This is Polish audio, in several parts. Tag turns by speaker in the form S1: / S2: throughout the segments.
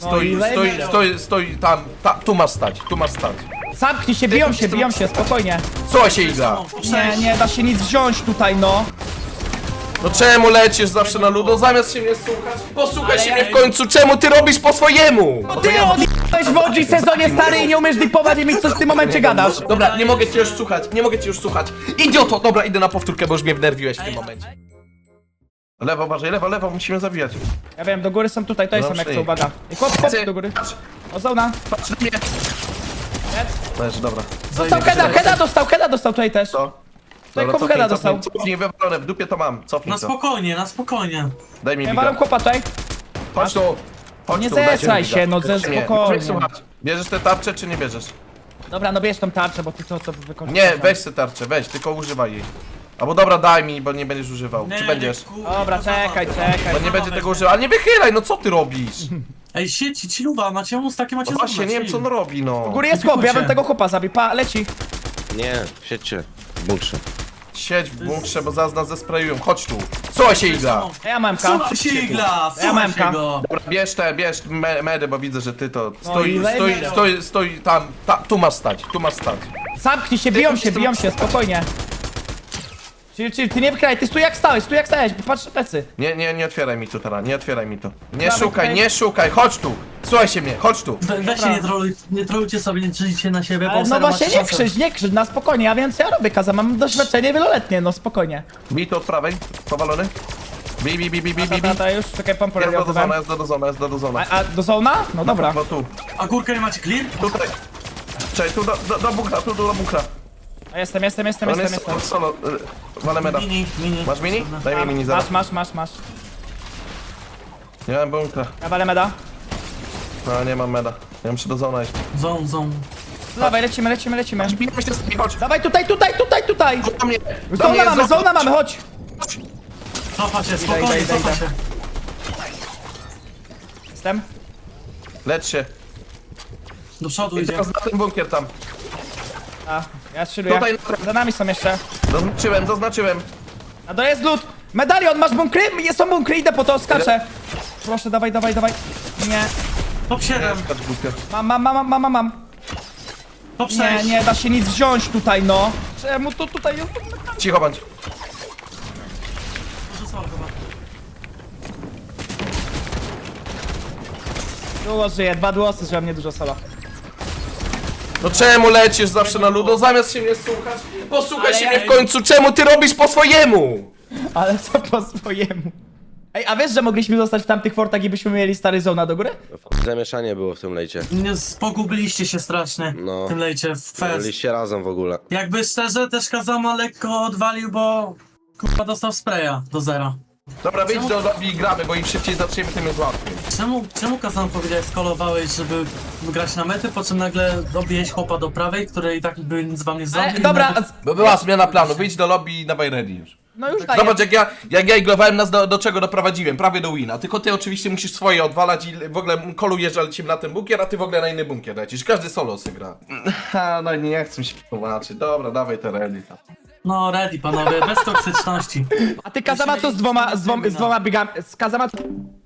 S1: Stoi tam, tu masz stać, tu masz stać.
S2: Zamknij się, biją się, spokojnie.
S1: Co się iga?
S2: Nie da się nic wziąć tutaj, no.
S1: No czemu lecisz zawsze na ludo, zamiast się mnie słuchać? Posłuchaj się mnie w końcu, czemu ty robisz po swojemu?
S2: No ty odjebałeś w OG sezonie stary i nie umiesz dipować i mi coś w tym momencie gadasz.
S1: Dobra, nie mogę cię już słuchać, nie mogę cię już słuchać. Idioto, dobra, idę na powtórkę, bo już mnie wnerwiłeś w tym momencie. Lewo, uważaj, lewo, musimy zabijać.
S2: Ja wiem, do góry są tutaj są jak co, uwaga. I chłop do góry. O, zona.
S1: Patrz na mnie. Leży, dobra.
S2: Dostał heada dostał tutaj też.
S1: Co?
S2: Tutaj chłop heada dostał.
S1: Cofnij, wywalone, w dupie to mam, cofnij
S3: Na
S1: to.
S3: spokojnie, na spokojnie.
S1: Daj mi
S2: Ja walam
S1: biga.
S2: chłopa tutaj.
S1: Chodź tu. Chodź
S2: Nie
S1: tu, dajcie mi
S2: zesraj
S1: biga.
S2: się, no
S1: Dajcie mnie.
S2: spokojnie.
S1: Muszę słuchać. Bierzesz te tarcze, czy nie bierzesz?
S2: Dobra, no bierz tą tarczę, bo ty to wykorzystasz.
S1: Nie, weź te tarczę, weź, tylko używaj jej. Albo dobra, daj mi, bo nie będziesz używał. Czy będziesz?
S2: Dobra, czekaj.
S1: Bo nie będzie tego używał. Ale nie wychylaj, no co ty robisz?
S3: Ej, sieci, ci luwa, macie mus takie, macie
S1: No właśnie, nie wiem co on robi, no.
S2: U góry jest chłop, ja bym tego chłopa zabił. Pa, leci.
S4: Nie, siedźcie w bunkrze.
S1: Siedź w bunkrze, bo zaraz nas zesprayują. Chodź tu. Co się igla?
S2: Ja mam MK.
S3: Słuchaj się igla,
S2: Ja mam
S3: słuchaj się go.
S1: Dobra, bierz medy, bo widzę, że ty to...
S2: i
S1: Stoi tam, tu masz stać, tu masz stać.
S2: Zamknij się, biją się, spokojnie. Czyli ty nie wykraj, ty stój jak stałeś, patrz na plecy.
S1: Nie otwieraj mi tu teraz, nie otwieraj mi to. Nie
S2: Dobra,
S1: szukaj,
S2: okej.
S1: nie szukaj, chodź tu. Słuchaj się mnie, chodź tu.
S3: Weźcie, nie trolujcie sobie, nie drżyjcie na siebie, bo
S2: Ale no
S3: serio
S2: właśnie
S3: macie
S2: nie krzycz, na spokojnie, ja wiem co ja robię, Kaza, mam doświadczenie wieloletnie, no spokojnie.
S1: Bij to od prawej, powalony. Bij.
S2: Tata już, czekaj, pompę
S1: Jest do zona,
S2: robię.
S1: jest do zona.
S2: A do zona? No dobra.
S1: Bo tu,
S3: A górkę nie macie clear?
S1: tutaj. Czekaj, tu do bunkra, tu do bunkra.
S2: A jestem.
S1: On jest solo, walę meda.
S3: Mini.
S1: Masz mini? Daj mi mini zaraz.
S2: Masz.
S1: Nie mam bunkra.
S2: Ja walę meda.
S1: No nie mam meda. Ja muszę do zona iść.
S3: Zone.
S2: Dawaj, lecimy.
S1: Bijmy się z nimi, chodź.
S2: Dawaj tutaj.
S1: Do mnie, do mnie,
S2: Zona mamy, chodź.
S3: Cofacie, spokojnie,
S2: Idę.
S3: cofacie.
S2: Jestem.
S1: Lecz się.
S3: Do przodu
S1: I
S3: idzie.
S1: teraz na ten bunkier tam.
S2: A, ja strzeluję.
S1: Tutaj
S2: Za nami są jeszcze.
S1: Zaznaczyłem.
S2: A to jest lód. Medalion, masz bunkry? Są bunkry, idę po to, skaczę. Proszę, dawaj. Nie.
S3: Top 7,
S1: Skacz bunkier.
S2: Mam.
S3: top 6.
S2: Nie da się nic wziąć tutaj, no. Czemu to tutaj jest?
S1: Cicho bądź.
S2: Dużo żyje, 2 głosy, że mnie dużo solo.
S1: No czemu lecisz zawsze na ludo, zamiast się mnie słuchać? Posłuchaj
S2: Ale
S1: się
S2: ja-
S1: mnie w końcu, czemu ty robisz po swojemu?
S2: Ale co po swojemu? Ej, a wiesz, że mogliśmy zostać w tamtych fortach i byśmy mieli stary zona do góry?
S4: Zamieszanie było w tym lejcie.
S3: Nie, pogubiliście się strasznie
S4: No.
S3: w tym lejcie, w fest.
S4: Byliście razem w ogóle.
S3: Jakby szczerze, też Kazama lekko odwalił, bo kurwa dostał spraya do zera.
S1: Dobra, wyjdź do lobby i gramy, bo im szybciej zaczniemy, tym jest łatwiej.
S3: Czemu Kazam powiedziałeś, skolowałeś, żeby grać na mety, po czym nagle dobiłeś chłopa do prawej, który i tak by nic wam nie zrobił?
S2: Dobra,
S1: Bo była zmiana planu, wyjdź do lobby i dawaj ready już.
S2: no już daję.
S1: Zobacz, jak ja iglowałem nas do czego doprowadziłem, prawie do wina. Tylko ty oczywiście musisz swoje odwalać i w ogóle kolujesz, ale lecimy na ten bunkier, a ty w ogóle na inny bunkier lecisz. Każdy solo sobie gra. No nie chcę mi się tłumaczyć. Dobra, dawaj te ready.
S3: No ready panowie, bez toksyczności.
S2: A ty Kazama co z dwoma biegami? Z Kazama...
S5: I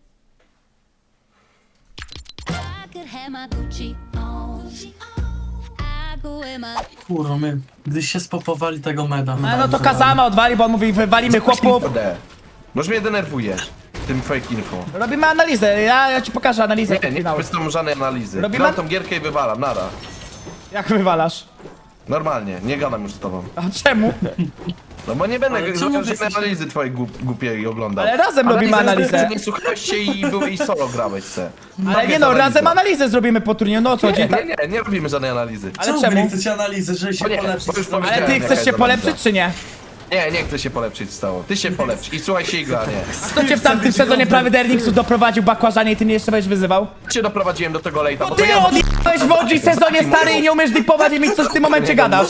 S5: could have my Gucci on. I go in my
S3: Kurwa, my gdyś się spopowali tego meda.
S2: No to Kazama odwali, bo on mówi, wywalimy chłopów.
S1: Boż mnie denerwujesz tym fake info.
S2: Robimy analizę, ja ci pokażę analizę
S1: Nie
S2: finału.
S1: wystąpię żadnej analizy.
S2: Robimy-
S1: Gram tą gierkę i wywalam, nara.
S2: Jak wywalasz?
S1: Normalnie, nie gadam już z tobą.
S2: A czemu?
S1: No bo nie będę
S3: Ale czemu
S1: żadnej
S3: wy jesteście-
S1: analizy twojej głupiej oglądał.
S2: Ale razem robimy analizę.
S1: Nie słuchałeś się i solo grałeś se.
S2: Ale nie no, razem analizę zrobimy po turnieju, no o co chodzi?
S1: Nie robimy żadnej analizy.
S2: Ale
S3: wy
S2: czemu?
S3: nie chcecie analizy, żeby się
S1: Bo nie,
S3: polepszyć?
S1: bo już
S2: Ale
S1: powiedziałem,
S2: ty
S1: jaka
S2: chcesz się
S1: jest
S2: polepszyć
S1: analiza.
S2: czy nie?
S1: Nie chcę się polepszyć stało. Ty się polepsz i słuchaj się igra, nie.
S2: Kto cię w tamtym sezonie prawy Derniksu doprowadził bakłażanie i ty mnie jeszcze będziesz wyzywał?
S1: Cię doprowadziłem do tego lejta, bo to
S2: Ty
S1: ja
S2: odjebałeś w OG sezonie stary i nie umiesz dipować i mi coś w tym momencie gadasz.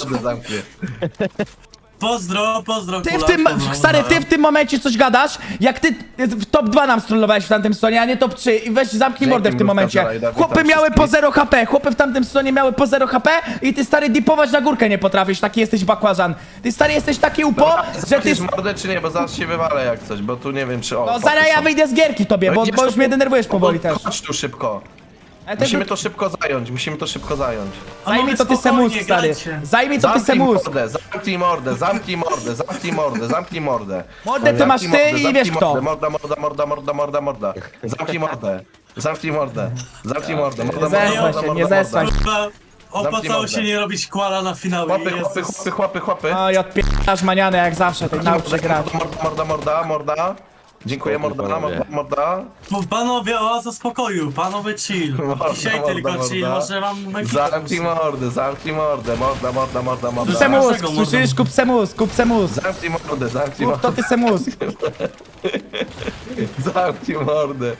S3: Pozdro,
S2: Ty w
S3: kula,
S2: tym,
S3: pozdro,
S2: stary, ty w tym momencie coś gadasz, jak ty w top 2 nam strollowałeś w tamtym sezonie, a nie top 3 i weź zamknij mordę w tym momencie. Chłopy miały po 0 HP, chłopy w tamtym sezonie miały po 0 HP i ty stary dipować na górkę nie potrafisz, taki jesteś bakłażan. Ty stary jesteś taki upo, że ty...
S1: Ty mordę czy nie, bo zaraz się wywalę jak coś, bo tu nie wiem czy... O,
S2: No zaraz ja wyjdę z gierki tobie, bo już mnie denerwujesz powoli też.
S1: Chodź tu szybko.
S2: Ale
S1: Musimy to szybko zająć, musimy to szybko zająć.
S2: Zajmij to ty
S3: spokojnie,
S2: semus, stary.
S3: grajcie.
S2: Zajmij to ty semus.
S1: Zamknij mordę, zamknij mordę, zamknij mordę, zamknij mordę.
S2: Mordę ty masz ty
S1: Zamknij
S2: i wiesz
S1: mordę,
S2: kto.
S1: Morda. Zamknij mordę. Zamknij mordę. Zamknij mordę.
S2: Nie zesłaj się, nie zesłaj się.
S3: Kurwa,
S1: Zamknij
S3: opłacało
S1: mordę.
S3: się nie robić kłala na finały.
S1: Chłopy.
S2: Oj, odpierasz maniany jak zawsze, tej nauczy grać.
S1: Morda. Dziękuję,
S4: Spokój,
S1: morda.
S3: Mów, panowie, oaza spokoju, panowie chill. Dzisiaj
S1: Morda,
S3: tylko
S1: morda.
S3: chill, może wam
S1: Zamknij mordę, morda.
S2: Semus,
S3: Dlaczego mordą?
S2: słyszysz? Kup semus.
S1: Zamknij mordę,
S2: Kup to ty semus.
S1: Zamknij mordę.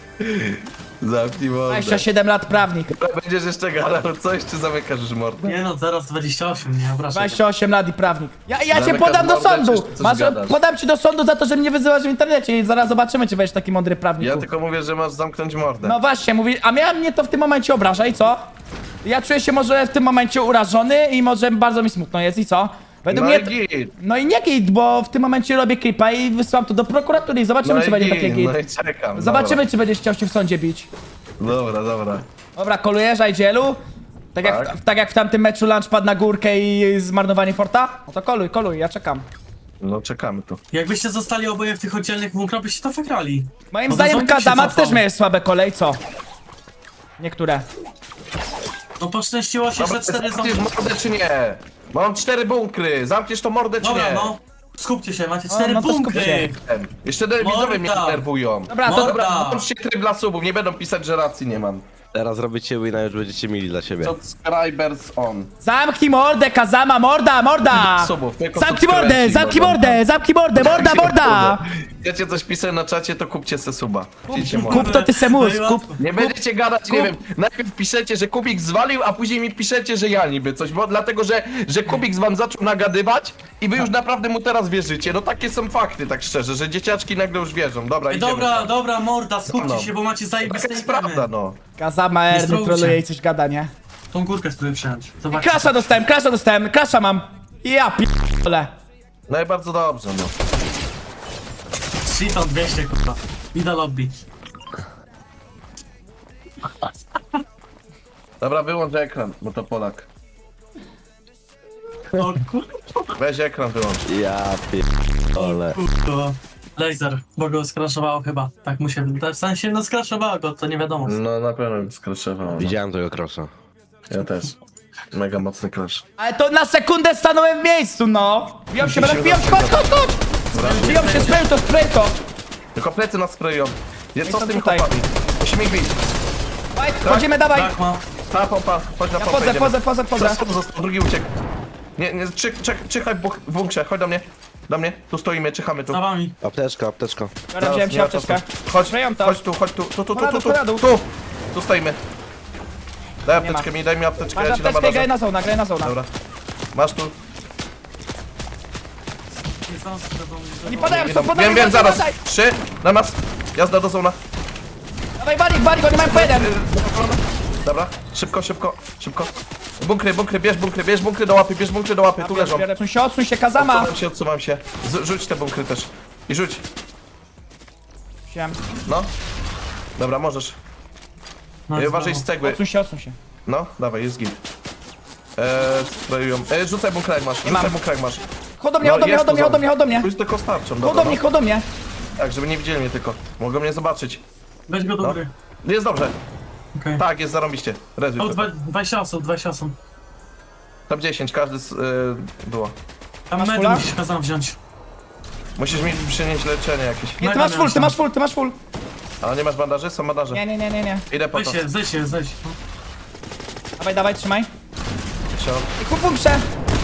S2: 27 lat prawnik.
S1: Będziesz jeszcze gadał coś, czy zamykasz już mordę?
S3: Nie no, zaraz 28, nie obrażaj.
S2: 28 lat i prawnik. Ja cię
S1: Zamykasz
S2: podam do
S1: mordę,
S2: sądu.
S1: czy coś gadasz?
S2: Podam ci do sądu za to, że mnie wyzywasz w internecie i zaraz zobaczymy, czy będziesz taki mądry prawnik.
S1: Ja tylko mówię, że masz zamknąć mordę.
S2: No właśnie, mówi, a miałem mnie to w tym momencie obraża i co? Ja czuję się może w tym momencie urażony i może bardzo mi smutno jest i co? Według
S1: No
S2: mnie...
S1: i git.
S2: No i nie git, bo w tym momencie robię klipa i wysyłam to do prokuratury i zobaczymy, czy będzie takie git.
S1: No i czekam.
S2: Zobaczymy, czy będziesz chciał się w sądzie bić.
S1: Dobra.
S2: Dobra, kolujesz, Ajdzielu? Tak jak w tamtym meczu lunch padł na górkę i zmarnowanie forta? No to koluj, ja czekam.
S1: No czekamy tu.
S3: Jakbyście zostali oboje w tych oddzielnych bunkrach, byście to wygrali.
S2: Moim
S3: No to
S2: zdaniem
S3: zombie się
S2: Kazamat
S3: cofał.
S2: też miałeś słabe kolej, co? Niektóre.
S3: No poszczęściło się, że 4
S1: zamkniesz
S3: zombie.
S1: mordę czy nie? Mam 4 bunkry, zamkniesz to mordę czy
S3: Dobra,
S1: nie?
S3: no. Skupcie się, macie 4
S2: no to skup
S3: bunkry.
S2: się.
S1: Jeszcze widzowie mnie
S3: Morda.
S1: denerwują.
S2: Dobra, to...
S3: Morda.
S1: Dobra, włączcie tryb dla subów, nie będą pisać, że racji nie mam.
S4: Teraz robicie wina, już będziecie mieli dla siebie.
S1: Subscribers on.
S2: Zamknij mordę, Kazama, morda!
S1: Subów, tylko
S2: Zamknij mordę,
S1: subskrybenci
S2: zamknij mordę, morda!
S1: Chcecie coś pisać na czacie, to kupcie se suba. Kupcie
S2: Kup to ty semus,
S3: No i
S2: kup.
S3: łatwo.
S1: Nie będziecie gadać, nie wiem, najpierw piszecie, że Kubik zwalił, a później mi piszecie, że ja niby coś, bo dlatego, że Kubik wam zaczął nagadywać i wy już naprawdę mu teraz wierzycie. No takie są fakty, tak szczerze, że dzieciaczki nagle już wierzą. Dobra, idziemy.
S3: Dobra, morda, skupcie
S1: No.
S3: się, bo macie
S1: Taka
S3: zajebiste
S1: jest
S3: itemy.
S1: prawda, no.
S2: Kazama
S3: Nie
S2: Erny
S3: strujcie.
S2: troluje i coś gada, nie?
S3: Tą górkę spróbuję przejąć. Zobaczcie.
S2: Krasza mam. Ja p***le.
S1: No i bardzo dobrze, no.
S3: Shiton 200, kurwa. Idę lobby.
S1: Dobra, wyłącz ekran, bo to Polak.
S3: O kurwa.
S1: Weź ekran wyłącz.
S4: Ja pierdolę.
S3: Kurwa. Laser, bo go skraszowało chyba. Tak mu się wydaje. W sensie, no skraszowało go, to nie wiadomo.
S1: No na pewno bym skraszował. No.
S4: Widziałem tego crossa.
S1: Ja też. Mega mocny crash.
S2: Ale to na sekundę stanąłem w miejscu, no. Biją się, chodź. Biją się, spray to.
S1: Tylko plecy nas sprayują. Co z tymi
S2: tutaj.
S1: chłopami? Musimy ich bić.
S2: Dawaj, Wchodzimy, dawaj.
S3: Tak ma.
S1: Ta pompa, chodź na
S2: Ja
S1: pompę, idziemy.
S2: wchodzę.
S1: Został, drugi uciekł. Nie, czyhaj w bunkrze, chodź do mnie. Do mnie, tu stoimy, czyhamy tu.
S3: Za wami.
S4: Apteczka.
S2: Dobra, wziąłem się
S1: nie ma
S2: apteczkę.
S1: czasu. Chodź,
S2: Sprayam to.
S1: chodź tu. Tu stoimy. Daj apteczkę mi, daj mi apteczkę,
S2: Masz
S1: ja ci dam
S2: apteczkę, graj
S1: bandaże.
S2: na zona.
S1: Dobra. Masz tu.
S3: Nie znam się do
S2: Nie padają, są podaj,
S1: Wiem, zaraz. 3, na nas. Jazda do zona.
S2: Dawaj, balik, oni mają po jeden.
S1: Dobra, szybko. Bunkry, bierz bunkry do łapy, tu leżą.
S2: Odsuń się, Kazama.
S1: Odsuwam się. Rzuć te bunkry też. I rzuć.
S2: Wziąłem.
S1: No. Dobra, możesz. Uważaj z cegły.
S2: Odsuń się.
S1: No, dawaj, jest git. Sprayują. Rzucaj bunkra jak masz,
S2: mam. Chodź do mnie.
S1: Już tylko starczą,
S2: Chodź do mnie.
S1: Tak, żeby nie widzieli mnie tylko. Mogą mnie zobaczyć.
S3: Weź go do góry.
S1: Jest dobrze.
S3: Okej.
S1: Tak, jest zarąbiście. Rezuj
S3: O,
S1: to.
S3: 20 osób.
S1: Tam 10, każdy było.
S3: Tam
S2: Masz
S3: medy
S2: fula?
S3: musisz kazam wziąć.
S1: Musisz mi przynieść leczenie jakieś.
S2: Nie, ty masz full.
S1: Ale nie masz bandaży? Są bandaże.
S2: Nie.
S1: Idę po to.
S3: Zejdź.
S2: Dawaj, trzymaj.
S1: Sią.
S2: I kup bunkrze.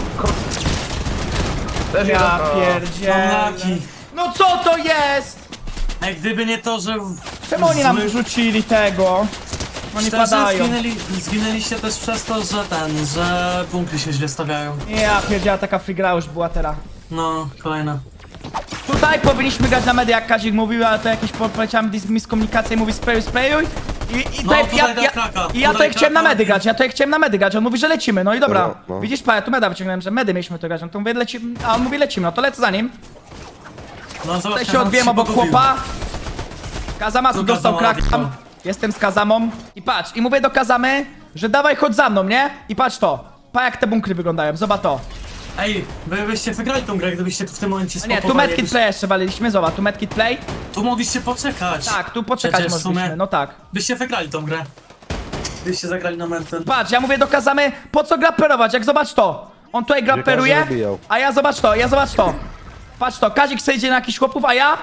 S1: Też
S2: Ja
S1: jeden.
S2: pierdzielę.
S3: Laki.
S2: No co to jest?
S3: Ej, gdyby nie to, że...
S2: Czemu oni nam
S3: zły-
S2: wyrzucili tego? Oni
S3: Szczerze,
S2: padają.
S3: zginęliście też przez to, że bunkry się źle stawiają.
S2: Ja pierdziała, taka free gra już była teraz.
S3: No, kolejna.
S2: Tutaj powinniśmy grać na media, jak Kazik mówił, ale to jakieś poleciałem miskomunikację i mówi sprayuj. I
S3: No, tutaj dał kraka,
S2: ja to
S3: tutaj
S2: jak chciałem na
S3: kraka.
S2: medy grać, on mówi, że lecimy, no i dobra.
S4: No.
S2: Widzisz, pa, ja tu meda wyciągnąłem, że medy mieliśmy to grać, no to mówię, lecimy, a on mówi, lecimy, no to lecę za nim.
S3: No, zobacz,
S2: Tutaj się odbiłem obok chłopa. Kazama tu
S3: Tu
S2: dostał
S3: Kazama
S2: kraka.
S3: odjechał.
S2: Jestem z Kazamą i patrz, i mówię do Kazamy, że dawaj chodź za mną, nie? I patrz to. Pa jak te bunkry wyglądają, zobacz to.
S3: Ej, wy byście wygrali tą grę, gdybyście tu w tym momencie
S2: A nie, tu
S3: spokojnie.
S2: medkit play jeszcze waliliśmy, zobacz, tu medkit play.
S3: Tu mogliście poczekać.
S2: Tak, tu poczekać
S3: Przecież w
S2: mogliśmy,
S3: sumie
S2: no tak.
S3: byście wygrali tą grę. Gdybyście zagrali na mety.
S2: Patrz, ja mówię do Kazamy, po co grapperować, jak zobacz to. On tutaj grapperuje,
S4: każdy zabijał.
S2: a ja zobacz to. Patrz to, Kazik sobie idzie na jakichś chłopów, a ja...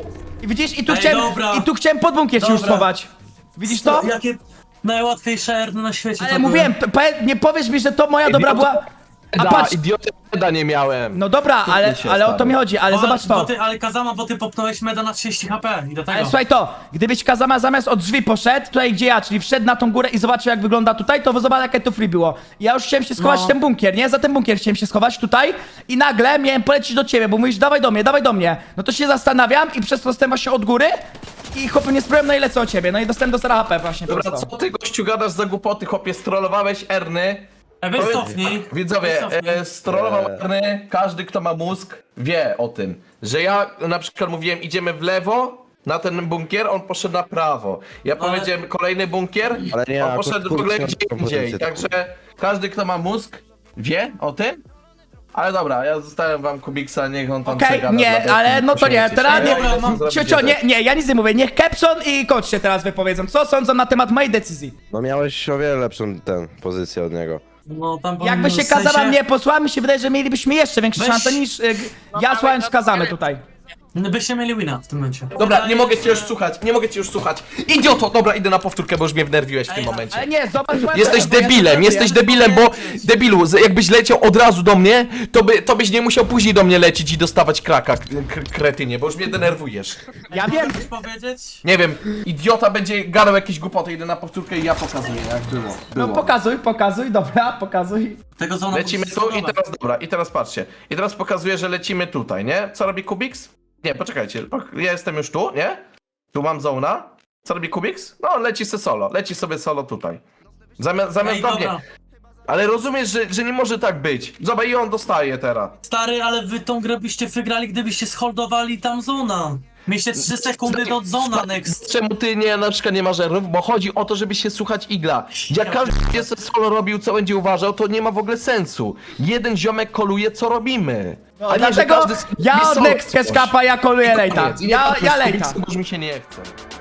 S2: I widzisz, i tu
S3: Ej,
S2: chciałem,
S3: dobra.
S2: i tu chciałem pod bunkier ci już
S3: Dobra.
S2: schować. Widzisz to?
S3: Jakie najłatwiejsze erny na świecie
S2: Ale
S3: to
S2: mówiłem, nie powiesz mi, że to moja dobra była... A patrz,
S1: Idiota nie miałem.
S2: no dobra, ale
S1: się,
S2: o to
S1: stary.
S2: mi chodzi, ale zobacz to.
S3: Ale Kazama, bo ty popnąłeś meda na 30 HP i do tego.
S2: Ale słuchaj to, gdybyś Kazama zamiast od drzwi poszedł, tutaj gdzie ja, czyli wszedł na tą górę i zobaczył jak wygląda tutaj, to zobacz jakie to free było. Ja już chciałem się schować
S3: No.
S2: w ten bunkier, nie? Za ten bunkier chciałem się schować tutaj i nagle miałem polecieć do ciebie, bo mówisz dawaj do mnie. No to się zastanawiam i przez to dostałem właśnie od góry i chłopie nie sprawłem, no i lecę o ciebie, no i dostałem do 0 HP właśnie
S1: Dobra,
S2: przez
S1: co
S2: to.
S1: ty gościu gadasz za głupoty, chłopie, strollowałeś Erny.
S3: Weź cofnij.
S1: Widzowie,
S3: Cofnij.
S1: strollował Erny, każdy kto ma mózg wie o tym, że ja na przykład mówiłem idziemy w lewo na ten bunkier, on poszedł na prawo. Ja powiedziałem kolejny bunkier,
S4: Ale nie,
S1: on
S4: akurat
S1: poszedł w ogóle
S4: kurczę,
S1: gdzie
S4: kompozycję
S1: indziej.
S4: taką.
S1: Także każdy kto ma mózg wie o tym. Ale dobra, ja zostawiam wam Kubiksa, niech on tam
S2: Okej,
S1: przegada
S2: nie,
S1: dla
S2: ale
S1: beki,
S2: no to nie,
S1: posiądziecie
S2: teraz
S1: się.
S2: nie,
S3: Dobra, mam-
S2: ciocio, nie, ja nic nie mówię, niech Kepson i coach się teraz wypowiedzą, co sądzą na temat mojej decyzji.
S4: No miałeś o wiele lepszą pozycję od niego.
S3: No tam
S2: Jakby się
S3: w sensie-
S2: Kazama mnie posłała, mi się wydaje, że mielibyśmy jeszcze większe
S3: Weź-
S2: szanse niż ja słuchając Kazamy tutaj.
S3: Byście mieli wina w tym momencie.
S1: Dobra, nie mogę cię już słuchać, Idioto, dobra, idę na powtórkę, bo już mnie wnerwiłeś w tym
S3: Ej,
S1: momencie.
S2: Ale nie, zobacz...
S1: Jesteś
S2: bo ja
S1: debilem, jesteś debilem, bo debilu, jakbyś leciał od razu do mnie, to byś nie musiał później do mnie lecieć i dostawać kraka, kretynie, bo już mnie denerwujesz.
S2: Ja wiem,
S3: Chcesz powiedzieć?
S1: Nie wiem, idiota będzie gadał jakieś głupoty, idę na powtórkę i ja pokazuję jak było.
S2: no pokazuj, dobra, pokazuj.
S3: Tego zona
S1: Lecimy
S3: musicie
S1: tu i
S3: zbudować.
S1: teraz, dobra, i teraz patrzcie. I teraz pokazuję, że lecimy tutaj, nie? Co robi Kubiks? Nie, poczekajcie, ja jestem już tu, nie? Tu mam zona. Co robi Kubiks? No, leci sobie solo tutaj. Zamiast
S3: Ej,
S1: do mnie.
S3: dobra.
S1: Ale rozumiesz, że nie może tak być. Zobacz, i on dostaje teraz.
S3: Stary, ale wy tą grę byście wygrali, gdybyście scholdowali tam zona. Mieliście 3 sekundy do zona next.
S1: Czemu ty nie, na przykład nie masz errów? Bo chodzi o to, żeby się słuchać igla. Jak każdy jest solo robił, co będzie uważał, to nie ma w ogóle sensu. Jeden ziomek koluje, co robimy.
S2: No,
S1: A nie, że
S2: dlatego
S1: każdy
S2: ja
S1: robi
S2: od
S1: solo
S2: Next
S1: coś.
S2: Cashcapa ja koluję lejta.
S1: Koniec. I
S2: Ja
S1: nie
S2: lejta.
S1: Bo już mi się nie chce.